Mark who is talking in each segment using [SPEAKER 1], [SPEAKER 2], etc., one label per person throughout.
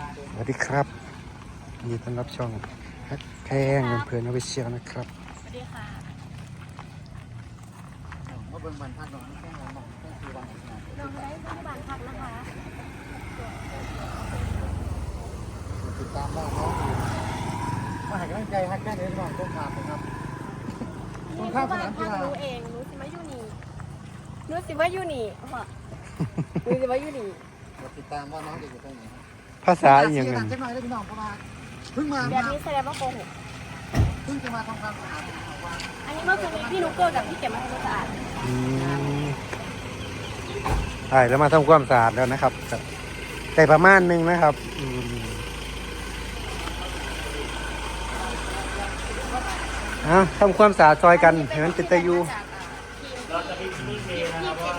[SPEAKER 1] สวัสดีครับยินดีต้อนรับช่องฮักแพงเพื่อนเอาไปเชียร์นะครับ
[SPEAKER 2] สวัสดีค่ะ
[SPEAKER 3] ว่าเบิ่งบันทัดน้องแค่น้องแค่คือวันนะ
[SPEAKER 2] น้องได้ที่บ้านพักนะคะ
[SPEAKER 3] ติดตามน้องน้องมาให้กำลังใจฮักแค่นี้น้องต้องขาดนะครับต้อง
[SPEAKER 2] นี่
[SPEAKER 3] ข้า
[SPEAKER 2] คือ
[SPEAKER 3] มส
[SPEAKER 2] บ้าน
[SPEAKER 3] นาม
[SPEAKER 2] พั
[SPEAKER 3] กี
[SPEAKER 2] ก
[SPEAKER 3] ฬา
[SPEAKER 2] หนูเองหนูสิมาอยู่นี่หนูสิมาอยู่นี่พ่อหนูสิมาอยู่นี่
[SPEAKER 3] ติดตามว่าน้องจะอยู่ตรงไหน
[SPEAKER 1] ภาษาอย่าง
[SPEAKER 3] นั้
[SPEAKER 1] นั้น น
[SPEAKER 3] จะหน่อยได้พี่น้องเพราะว่าเพิ่งมา
[SPEAKER 2] แบบนี้แสดงว่าโกหก
[SPEAKER 3] เพิ่งจะมาทำความสะอาดว่า
[SPEAKER 2] อันนี้เมื่อคืนนี้พี่นุ๊กเกอร์กับพี่เก็บมาให้ความสะอาด
[SPEAKER 1] ใช่แล้วมาทำความสะอาดแล้วนะครับแต่ประมาณนึงนะครับทำความสะอาดซอยกันเห็นมันเป็นตะยู
[SPEAKER 2] เราจะมีที่เทนะครับว่า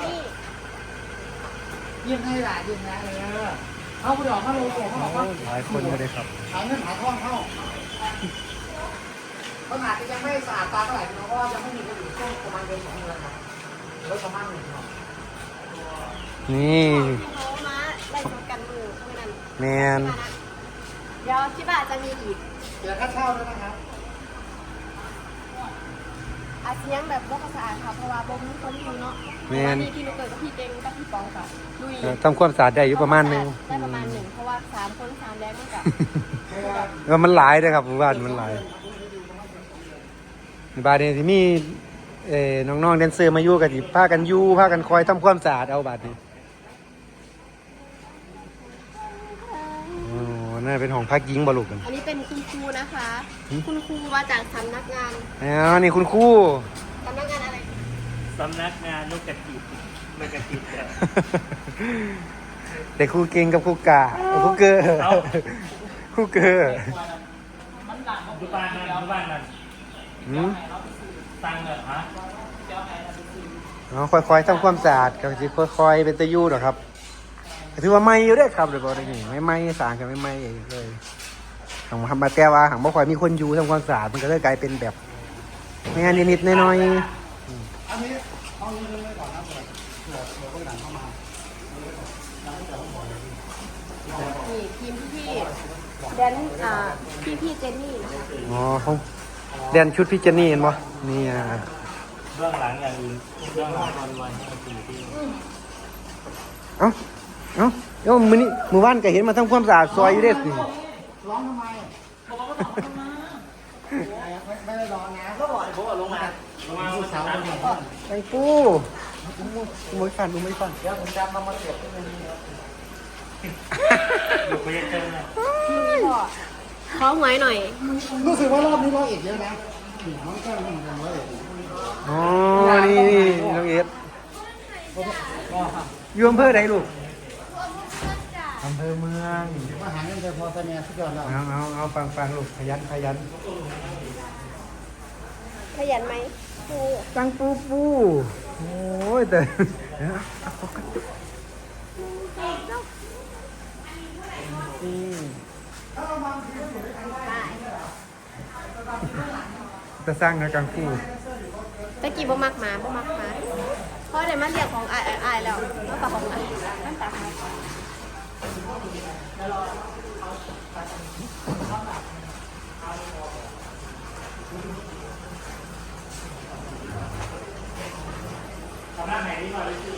[SPEAKER 3] ยิ่งให้หลายยิ่งนะเอาไปดอกมาโลโก้เขาบอกว่า
[SPEAKER 1] หลายคนก็ได้ครับ
[SPEAKER 3] หาเงินหาทองเข้าขนาดยังไม่สะอาดตาเท่าไหร่พี่น้องเพราะว่ายังไม่มีกระดูกช่วงประมาณเดือน2 เดือนครับแล้วประมาณ1 เดือน
[SPEAKER 1] นี่
[SPEAKER 2] เขามาไล่ชนกันมือเท่านั้น
[SPEAKER 1] แมน
[SPEAKER 2] เดี๋ยวที่บ้านจะมีอีก
[SPEAKER 3] เดี๋ยวค่าเช่าด้วยนะครับ
[SPEAKER 2] อาเสียงแบบว่าสะอาดค่ะเพราะว่าบ่มีคนอยู่เนาะมีพี่นุ๊กเกอร์กับพี่เก่งกับพี่ปองกับลุย
[SPEAKER 1] ทำความสะอาดได้อยู่ประมาณนึง
[SPEAKER 2] ได้ประมาณ1เพราะว่า3 คน3แรงมันกับ
[SPEAKER 1] มันหลายเลยครับหมู่บ้านมันหลายในบ้านนี้ที่มีน้องๆแดนเซอร์มาอยู่กันที่พากันอยู่พากันคอยทำความสะอาดเอาบาดนี้โอ้น่าเป็นห้องพักหญิงบ่ลูกกัน
[SPEAKER 2] อันนี้เป็นคุณครูนะคะ คุณครูมาจากสำนักงาน
[SPEAKER 1] นี่คุณครู
[SPEAKER 2] สำนักงานอะไร
[SPEAKER 4] สำนักงานลูกกระจิบลูกกระจิบเนี่ย
[SPEAKER 1] เด็กครูเก่งกับครูกาครูเกอร์ครูเกอร์
[SPEAKER 4] ดูบ้านนั่นดูบ้านนั่น ตังค์เหรอฮะ
[SPEAKER 1] ค่อยๆทำความสะอาดก็จะค่อยๆเป็นตะยูหรอกครับถือว่าไม่อยู่เด้อครับเดี๋ยวบอกได้นี่ไม่สางกันไม่เองเลยหังมาแต่ว่าหังบ่ค่อยมีคนอยู่ทำความสะอาดมันก็เลยกลายเป็นแบบงานนิดๆน้อย
[SPEAKER 3] อันนี้เอาเงินเลยก่อนนะเผื่อคนหลังเข้ามา
[SPEAKER 2] นี่ทีมพี่แดนพี่เจนนี่นะคะ
[SPEAKER 1] ๆอ๋อเขาเรียนชุดพี่เจนนี่เห็นบ่นี่
[SPEAKER 4] เบื้องหลังอย่างอื่นเบื้องหลังวันๆให้มันเป็นที่
[SPEAKER 1] เอ้าเดี๋ยวมื้อวานก็เห็นมาทำความสะอาดซอยอยู่เด้สิ
[SPEAKER 3] ร้องทำไมไม่ได้ร้องนะก็บอกไอ้โบ๊ะลงมาผู้สาวคนนี้
[SPEAKER 1] ไอ้ปูไม่ฟันไม่ฟัน
[SPEAKER 3] เดี๋ยวผมจำมาเสียบที่นี่
[SPEAKER 4] อยู่ไปยังเจอเลย
[SPEAKER 2] พี่พ่อขอหวยหน่อย
[SPEAKER 3] รู้สึกว่ารอบนี้100 เอกเยอะนะน้องแก้วนี่100 เอก
[SPEAKER 1] อ๋อนี่น้องเอฟอยู่อำเภอใดลูกอำเภอเมือง
[SPEAKER 3] มาหาเงินไปพอแต่เนี่ยสุดยอดแล้ว
[SPEAKER 1] เอาฟังลูกขยัน
[SPEAKER 2] ขยันไหมครู
[SPEAKER 1] ตั้งปูโอ้ยแต่จะสร้างนะกังฟู
[SPEAKER 2] ตะกี้บ่มักหมาเพราะเดี๋ยวมันเรียกของอายแล้วแล้วกับของอายมันตัด
[SPEAKER 4] ทำหน้าไหนนี่มาเลยสิ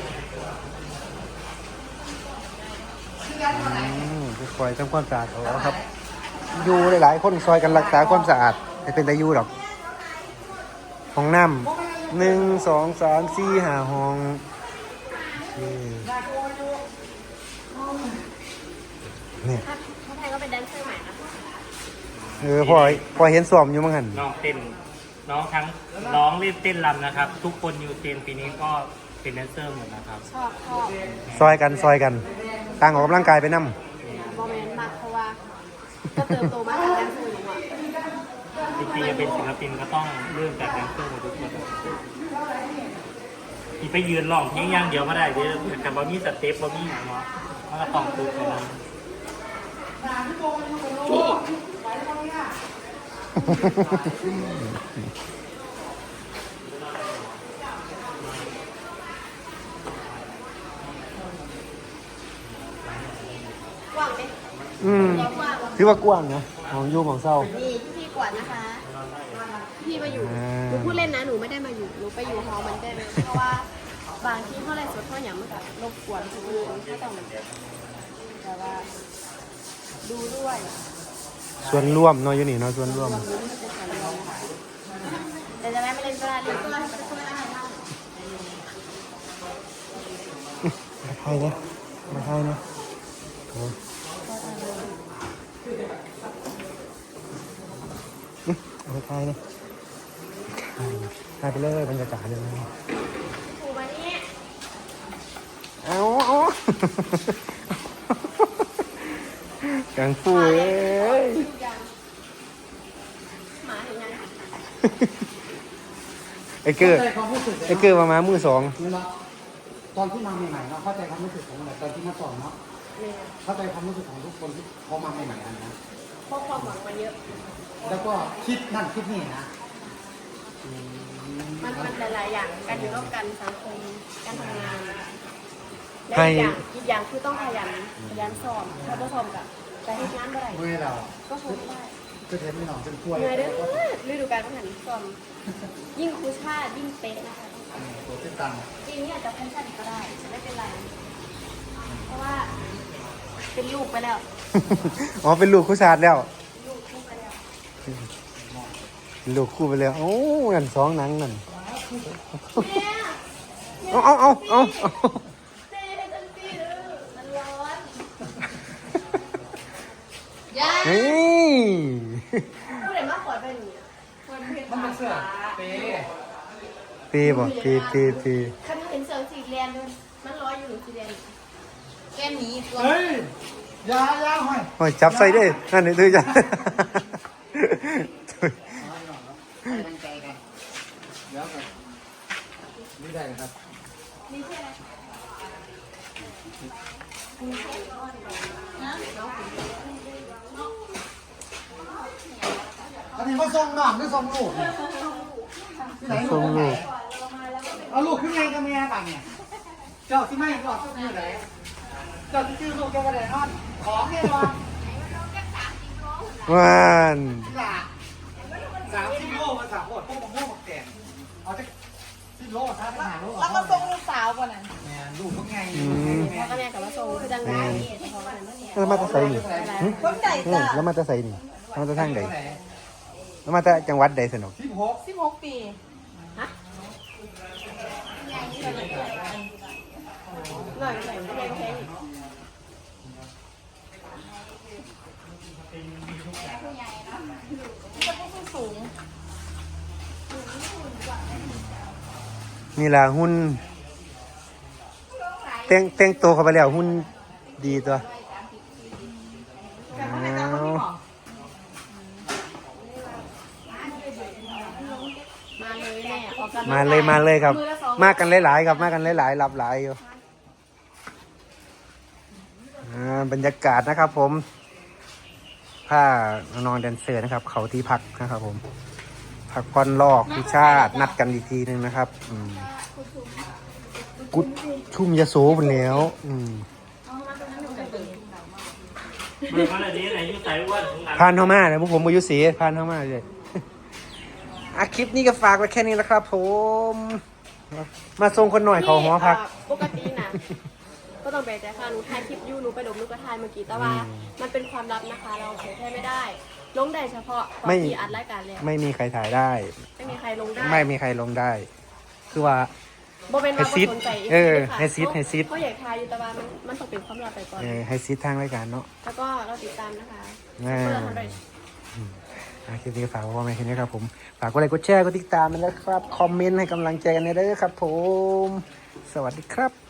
[SPEAKER 1] คอยทำความสะอาดเอาครับ อยู่หลายๆคนซอยกันรักษาความสะอาดให้เป็นตายูหรอกห้องน้ำ1 2 3 4 5ห้องนี่
[SPEAKER 2] ถ้าไทยก็เป็นแดนเซอร์ใหม่นะ
[SPEAKER 1] พอเห็นซ้อมอยู่มั้งหัน
[SPEAKER 4] น้องเต้นน้องทั้งน้องเล่นเต้นรำนะครับ ทุกคนอยู่เต้นปีนี้ก็เป็นแดนเซอร์หมดนะครับ
[SPEAKER 2] ชอบ
[SPEAKER 1] ซอยกันต่างออกกำลังกายไปนำ
[SPEAKER 2] บอมแมนมากเพราะว่าก็เติบโตมาจากแดนเซอร์หนูอ่ะ
[SPEAKER 4] จริงๆจะเป็นศิลปินก็ต้องเริ่มจากแดนเซอร์หมดทุกคนที่ไปยืนร้องเพลงอย่างเดียวไม่ได้เดี๋ยวกับบอมี่สเต็ปบอมี่เนาะมันก็ต้องฝึกกัน
[SPEAKER 2] ว่างไหม
[SPEAKER 1] ถือว่ากว้างนะของอยู่ของเศร้า
[SPEAKER 2] นี่พี่กวาดนะคะ พี่มาอยู่
[SPEAKER 1] อ่า
[SPEAKER 2] หนูพูดเล่นนะ หนูไม่ได้มาอยู่ หนูไปอยู่หอมันได้ไหมเพราะว่าบางที่เท่าไรสดเท่าอย่างมันก็รบกวนคนอื่นก็ต้องแต่ว่า ดูด้วย
[SPEAKER 1] ส่วนร่วมเนาะอยู่นี่เนาะส่วนร่วม
[SPEAKER 2] รวมนี้มันจะสวยเลยนะคะแต่จะได้ไม่เล่นก็ได้เล่นก็ได้ก็ได้
[SPEAKER 1] มาไทยนะมาไทยนะโอ้มาไทยนะถ่ายไปเลยบรรยากาศเลย
[SPEAKER 2] ถูกมานี่
[SPEAKER 1] เอากังฟูเอ้ย
[SPEAKER 2] ทุกอย่างหมาเห็นยัง
[SPEAKER 1] ไอ้เกอร์
[SPEAKER 3] เข้าใจความรู้สึก
[SPEAKER 1] ไอ้เกอร์มามือสอง
[SPEAKER 3] นี่เนาะตอนที่มาใหม่ๆเนาะเข้าใจความรู้สึกของตอนที่มาสอนเนาะ
[SPEAKER 2] เนี่ย
[SPEAKER 3] เข้าใจความรู้สึกของทุกคนที่เขามาใหม่ๆอันนะ
[SPEAKER 2] เพราะความหวังมาเยอะ
[SPEAKER 3] แล้วก็คิดนั่นคิดนี่นะ
[SPEAKER 2] มันหลายๆอย่างการอยู่ร่วมกันสังคมการทำงานและ
[SPEAKER 1] ให้
[SPEAKER 2] อีกอย่างคือต้องขยันสอบถ้าไม่สอบกับแต่ให้งานเมื่อไหร่
[SPEAKER 3] เมื่อเรา
[SPEAKER 2] ก็ทนไม่ได้
[SPEAKER 3] ก็เทนไม่หนองเป็นกล้วย
[SPEAKER 2] เหนื่อยเด้อฤดูกาลต้องหันสอบยิ่งครูชาติยิ่งเป๊ะนะคะ
[SPEAKER 3] ตัวติดตัง
[SPEAKER 2] ปีนี้อาจจะแพนชั่นก็ได้ไม่เป็นไรเพราะว่าเป็นลูกไปแล้ว
[SPEAKER 1] อ๋อเป็นลูกคู่ชาติแล้ว
[SPEAKER 2] ลูกคู่ไปแล้ว
[SPEAKER 1] เป็นลูกคู่ไปแล้วโอ้นั่นสองหนังนั่น
[SPEAKER 2] เนี่ย
[SPEAKER 1] เอา
[SPEAKER 2] เจ๊จังสิเด้อมันร้อนยา
[SPEAKER 1] นี่
[SPEAKER 2] พูดเลยว่าขอเป็นอย่างนี้มันเป็น
[SPEAKER 3] มันเป็นเสื้อเป๊
[SPEAKER 1] ปีบ่ปี
[SPEAKER 2] คันเห็นเสือสีแดงด้วยมันร้อยอยู่หรือสีแดงแก้มนี้ตัว
[SPEAKER 3] เฮ้ยยาห้อย
[SPEAKER 1] โอ้ยจับใส่ได้นั่นนี่คือจับ
[SPEAKER 3] ตั้งใจกันเดี๋ยวกันนี่ได้ครับ
[SPEAKER 2] นี่ใช่ไหม
[SPEAKER 3] อันนี้เขาส่งน้องหรือส่งลูกที่ไหน
[SPEAKER 1] ส่งลูก
[SPEAKER 3] เอาลูกขึ้นไงกับแม่ต่างเนี่ยเจ้าที่ไม่ก็เจ้าที่ไหนเจ้าที่ชื่อลูกเจ้าก็ได้นอนของเนี่ยนอน
[SPEAKER 1] ว่าน
[SPEAKER 3] 30 โลมา3โลพวกมะม่วงแกงเอาจะ10 โลซะไปหาโล
[SPEAKER 2] แล้วก็ส่งลูกสาวก่อนน่ะ
[SPEAKER 3] แม่ลูกพวกไง
[SPEAKER 2] พ่อกับแม่กับมาส่งคือดังไงเพราะว่ามันเนี่ย
[SPEAKER 1] แล้วมาแตะใส่นี่
[SPEAKER 2] คนใด
[SPEAKER 1] นี่แล้วมาแตะใส่นี่แล้วมาแตะทางใดแล้วมาแตะจังหวัดใดสนุก
[SPEAKER 2] 16 ปีฮะหน่อยเพลงสูง
[SPEAKER 1] นี่ล่ะหุ้นแต่งตัวเข้าไปแล้วหุ้นดีตัวเอา
[SPEAKER 2] มาเลยแม่ออกกัน
[SPEAKER 1] มาเลยครับ มากันหลายๆครับมากันหลายๆรับหลายอยู่บรรยากาศนะครับผมผ้าน้องแดนเซอร์นะครับ เขาที่พักนะครับผมพักผ่อนลอกพิชาตินัดกันอีกทีหนึงนะครับกุดชุ่มยาโสไปแล้ว
[SPEAKER 4] เบิกมาเลยนี้ไหนยุ่งใจอ้วนของงาน
[SPEAKER 1] พานเข้ามาเลยพวกผมอายุสีพานเข้ามาเลยคลิปนี้ก็ฝากไว้แค่นี้แล้วครับผมมาส่งคนหน่อยเขาหอพัก
[SPEAKER 2] ปกตินะก็ต้องไปแต่ค่ะหนูถ่ายคลิปอยู่หนูไปดมลูกกระทายเมื่อกี้แต่ว่า มันเป็นความลับนะคะ เราเผยแพร่ไม่ได้ลงได้เฉพาะตอนที่อัดรายการแล้ว
[SPEAKER 1] ไม่มีใครถ่ายได้
[SPEAKER 2] ไม่มีใครลงได้
[SPEAKER 1] ไม่มีใครลงได้ คือว่า
[SPEAKER 2] โบเป็นว่า
[SPEAKER 1] ให้ซิด
[SPEAKER 2] บ่สนใจ
[SPEAKER 1] ให้ซิด
[SPEAKER 2] เขาอยากทายอยู่แต่ว่ามันต้องเป็นความลับไปก่อน
[SPEAKER 1] ให้ซิดทางรายการเนาะ
[SPEAKER 2] แล้วก็เราติดตามนะคะ
[SPEAKER 1] อ่า
[SPEAKER 2] เพื่อทำอะไร
[SPEAKER 1] คลิปนี้ก็ฝากไว้แค่นี้ครับผมฝากกดไลค์กดแชร์กดติดตามกันนะครับคอมเมนต์ให้กำลังใจกันเด้อครับผมสวัสดีครับ